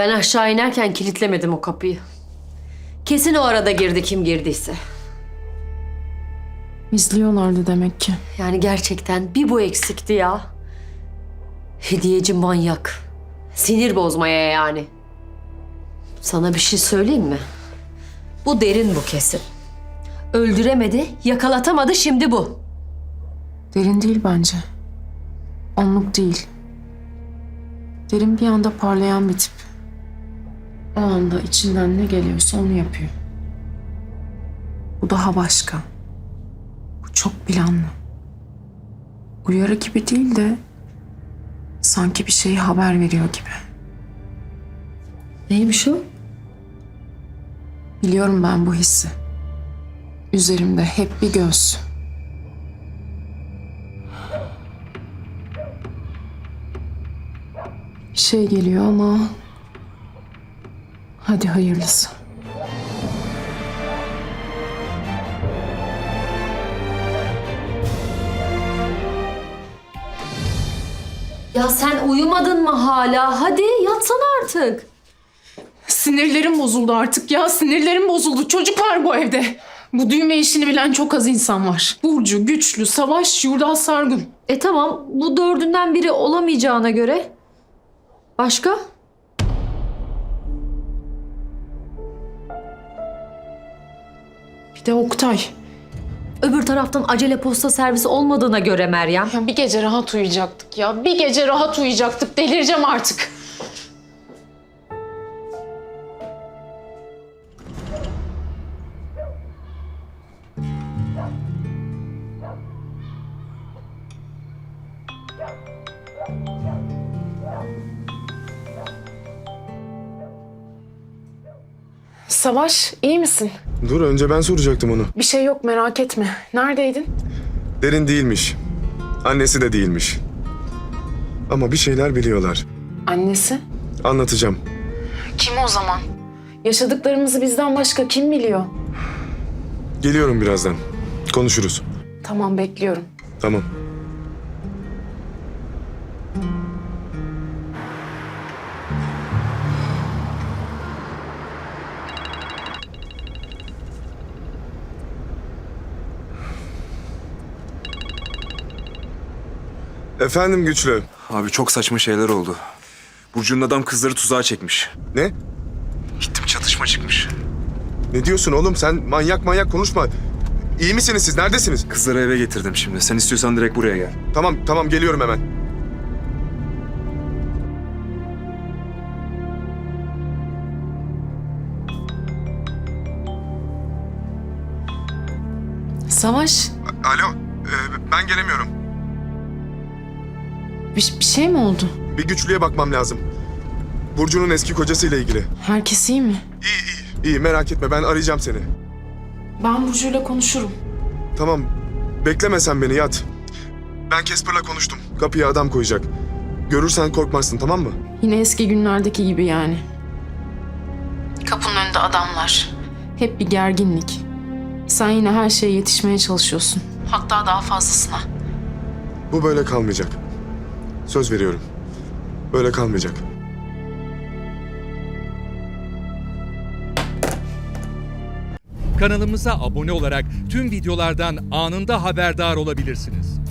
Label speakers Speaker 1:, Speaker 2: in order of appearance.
Speaker 1: Ben aşağı inerken kilitlemedim o kapıyı. Kesin o arada girdi kim girdiyse.
Speaker 2: İzliyorlardı demek ki.
Speaker 1: Yani gerçekten bir bu eksikti ya. Hediyeci manyak. Sinir bozmaya yani. Sana bir şey söyleyeyim mi? Bu derin bu kesin. Öldüremedi, yakalatamadı, şimdi bu.
Speaker 2: Derin değil bence. Onluk değil. Derin bir anda parlayan bir tip. O anda içinden ne geliyorsa onu yapıyor. Bu daha başka. Bu çok planlı. Uyarı gibi değil de sanki bir şeyi haber veriyor gibi.
Speaker 1: Neymiş o?
Speaker 2: Biliyorum ben bu hissi. Üzerimde hep bir göz. Bir şey geliyor ama... Hadi hayırlısı.
Speaker 1: Ya sen uyumadın mı hala? Hadi yatsana artık.
Speaker 2: Sinirlerim bozuldu artık ya. Sinirlerim bozuldu. Çocuk var bu evde. Bu düğme işini bilen çok az insan var. Burcu, Güçlü, Savaş, Yurdal Sargun.
Speaker 1: Tamam, bu dördünden biri olamayacağına göre. Başka?
Speaker 2: Bir de Oktay.
Speaker 1: Öbür taraftan acele posta servisi olmadığına göre Meryem.
Speaker 2: Ya bir gece rahat uyuyacaktık ya. Bir gece rahat uyuyacaktık. Delireceğim artık. Savaş, iyi misin?
Speaker 3: Dur önce ben soracaktım onu.
Speaker 2: Bir şey yok, merak etme. Neredeydin?
Speaker 3: Derin değilmiş. Annesi de değilmiş. Ama bir şeyler biliyorlar.
Speaker 2: Annesi.
Speaker 3: Anlatacağım.
Speaker 2: Kim o zaman? Yaşadıklarımızı bizden başka kim biliyor?
Speaker 3: Geliyorum birazdan. Konuşuruz.
Speaker 2: Tamam, bekliyorum.
Speaker 3: Tamam. Efendim Güçlü.
Speaker 4: Abi çok saçma şeyler oldu. Burcu'nun adam kızları tuzağa çekmiş.
Speaker 3: Ne?
Speaker 4: Gittim çatışma çıkmış.
Speaker 3: Ne diyorsun oğlum? Sen manyak konuşma. İyi misiniz siz? Neredesiniz?
Speaker 4: Kızları eve getirdim şimdi. Sen istiyorsan direkt buraya gel.
Speaker 3: Tamam geliyorum hemen.
Speaker 2: Savaş,
Speaker 3: Alo, ben gelemiyorum.
Speaker 2: bir şey mi oldu?
Speaker 3: Bir Güçlü'ye bakmam lazım. Burcu'nun eski kocasıyla ilgili.
Speaker 2: Herkes iyi mi?
Speaker 3: İyi merak etme ben arayacağım seni.
Speaker 2: Ben Burcu'yla konuşurum.
Speaker 3: Tamam bekleme sen beni yat. Ben Casper'la konuştum. Kapıya adam koyacak. Görürsen korkmazsın tamam mı?
Speaker 2: Yine eski günlerdeki gibi yani. Kapının önünde adamlar. Hep bir gerginlik. Sen yine her şeye yetişmeye çalışıyorsun. Hatta daha fazlasına.
Speaker 3: Bu böyle kalmayacak. Söz veriyorum. Böyle kalmayacak.
Speaker 5: Kanalımıza abone olarak tüm videolardan anında haberdar olabilirsiniz.